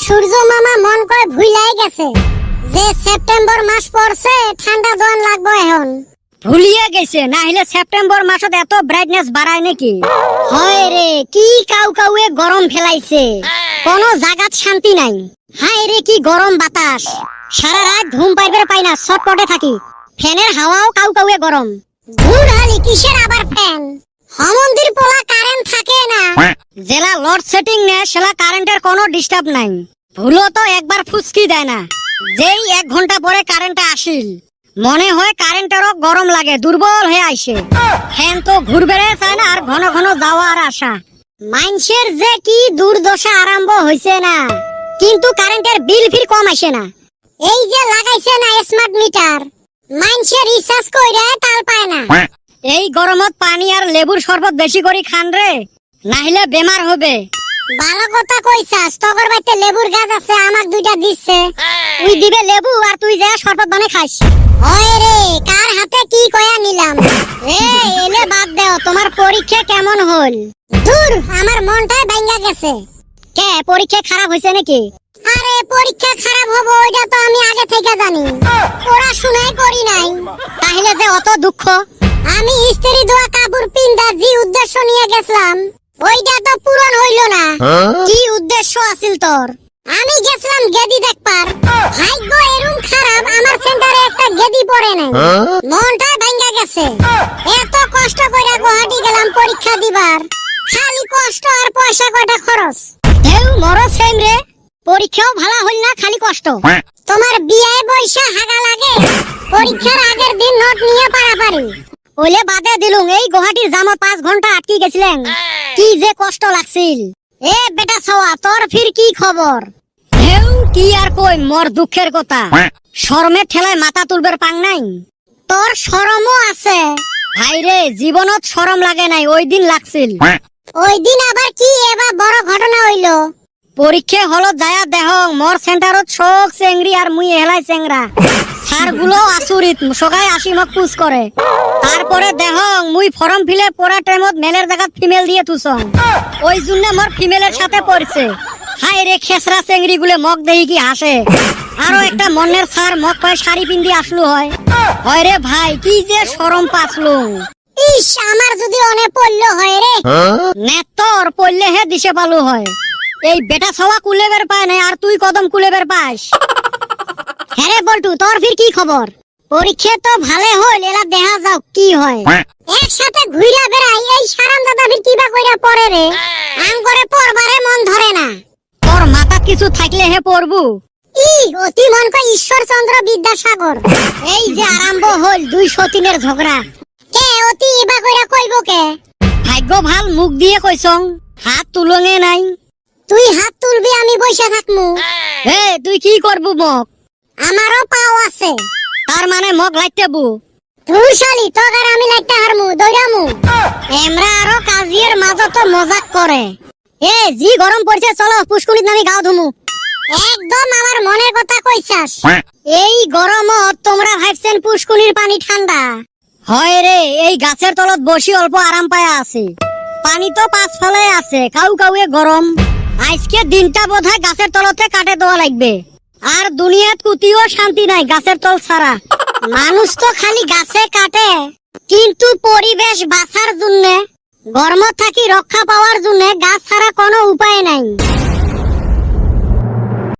সূর্য মামা মন কয় ভুলাই গেছে যে সেপ্টেম্বর মাস পড়ছে ঠান্ডা দোয়ান লাগবো এখন। ভুলিয়ে গেছে, না হলে সেপ্টেম্বর মাসত এত ব্রাইটনেস বাড়ায় নাকি? হয় রে, কি কাউ কাউয়ে গরম ফেলাইছে, কোনো জাগাত শান্তি নাই। হায় রে কি গরম বাতাস, সারা রাত ঘুম পাইবার পাই না, ছটপটে থাকি। ফ্যানের হাওয়াও কাউ কাউয়ে গরম। ধুর হালি কিসের আবার ফ্যান, হমন্দির পোলা কারেন্ট থাকে না। জেলা লোড সেটিং নে সেলা কারেন্টের কোনো ডিস্টার্ব নাই, ভুলো তো একবার ফুসকি দেয় না। যেই 1 ঘন্টা পরে কারেন্টটা আসিল মনে হয় কারেন্টেরও গরম লাগে, দুর্বল হয়ে আইসে। ফ্যান তো ঘুরবে চায় না, আর ঘন ঘন যাওয়ার আশা। মানুষের যে কি দুর্দশা আরম্ভ হইছে না, কিন্তু কারেন্টের বিল ফির কম আসে না। এই যে লাগাইছে না স্মার্ট মিটার, মানুষের রিচার্জ কইরা তাল পায় না। এই গরমত পানি আর লেবুর শরবত বেশি করে খান রে, নাহলে বেমার হবে। ভালো কথা কইছাস, তগর বাইতে লেবুর গাছ আছে, আমাক 2টা দিচ্ছে। তুই দিবে লেবু আর তুই যা শরবত বানাই খাস। হয় রে, কার হাতে কি কয়া নিলাম। এলে বাদ দাও, তোমার পরীক্ষা কেমন হল? দূর, আমার মনটাই ভাঙা গেছে। কে পরীক্ষা খারাপ হইছে নাকি? আরে পরীক্ষা খারাপ হবে ওইটা তো আমি আগে থেকে জানি, পড়াশোনাই করি নাই। তাহলে যে অত দুঃখ? আমি স্ত্রী দোয়া কাপড় পিন্দা যে উদ্দেশ্য নিয়ে গেছিলাম ওইটা তো পূরণ হইল না। কি উদ্দেশ্য আছিল তোর? আমি গেছিলাম গেদি দেখবার, ভাগ্য এরকম খারাপ আমার সেন্টারে একটা গেদি পড়ে নাই। মনটা ভাঙা গেছে। এত কষ্ট কইরা গুয়াহাটি গেলাম পরীক্ষা দিবার, খালি কষ্ট আর পয়সা কয়টা খরচ। হেউ মরো সেম রে, পরীক্ষাও ভালো হইল না, খালি কষ্ট। তোমার বিয়ে বৈশা হাগা লাগে, পরীক্ষার আগের দিন নোট নিয়ে পারাপারি। ওলে বাদে দিলুম, এই গুয়াহাটির জামত 5 ঘন্টা আটকে গেছিলেন, কি যে কষ্ট লাগছিল। এ বেটা সওয়া, তোর ফির কি খবর? হেউ কি আর কই, মোর দুঃখের কথা। শরমের ঠেলায় মাথা তুলবার পাং নাই। তোর শরমও আছে? ভাই রে, জীবনত শরম লাগে নাই, ওই দিন লাগছিল। ওই দিন আবার কি এবার বড় ঘটনা হইল? পরীক্ষা হলত যায়া দেহ মোর সেন্টারত শোক চেংড়ি আর মুই হেলাই চেংরা। স্যার গুলো আচুরিত, সবাই আসি মোক পুজ করে। তারপরে দেহ মুই ফর্ম ফিলে পড়া টাইমত মেলের জায়গা ফিমেল দিয়ে তুসং, ওই জন্য মোর ফিমেলের সাথে পড়ছে। হাই রে খেসরা চেংড়ি গুলে মগ দেহি কি হাসে। আরো একটা মনের স্যার মগ কয় শাড়ি পিন্দি আসলু হয়। হয় রে ভাই, কি যে শরম পাসলু। ইস, আমার যদি অনে পড়লো হয় রে। নেতর পড়লে হে দিশে পালু হয়। এই বেটা সওয়া কুলেবের পায় নাই, আর তুই কদম কুলেবের পাস। হ্যাঁ রে বল্টু, তোর ফির কি খবর? পরীক্ষা তো ভালো হইল, এলা দেখা যাও কি হয়। একসাথে ঘুরা বেড়াই, এই সারান দাদা ফির কিবা কইরা পড়ে রে, আম করে পড়বারে মন ধরে না। তোর মাথা কিছু থাকলে হে পড়বু। অতি মন কয় ঈশ্বরচন্দ্র বিদ্যাসাগর। এই যে আরম্ভ হল 2 সতীনের ঝগড়া। কে অতি ইবা কইরা কইব কে? ভাগ্য ভাল, মুখ দিয়ে কইছং, হাত তুলঙে নাই। তুই হাত তুলবি, আমি বসে থাকমু। হে তুই কি করবু মগ? আমারও পাও আছে। তার মানে মগ লাইতে বু? তুই শালি, তোর আমি লাইতে হারমু, দৌড়ামু। এমরা আরো কাজিয়ের মাঝত মজাক করে। এ জি গরম পড়ছে, চলো পুষ্কুনিত নামি গাও ধুমু। একদম আমার মনের কথা কইছাস। এই গরমত তোমরা ভাবছেন পুষ্কুনির পানি ঠান্ডা হয় রে? এই গাছের তলত বসি অল্প আরাম পায়া আছে, পানি তো 5 ফলে আছে, কাউ কাউয়ে গরম। আজকে দিনটা বোধহয় গাছের তলতে কাটে দেওয়া লাগবে। আর দুনিয়াত কুতিও শান্তি নাই গাছের তল ছাড়া। মানুষ তো খালি গাছে কাটে, কিন্তু পরিবেশ বাঁচার জন্য, গরম থাকি রক্ষা পাওয়ার জন্য গাছ ছাড়া কোনো উপায় নাই।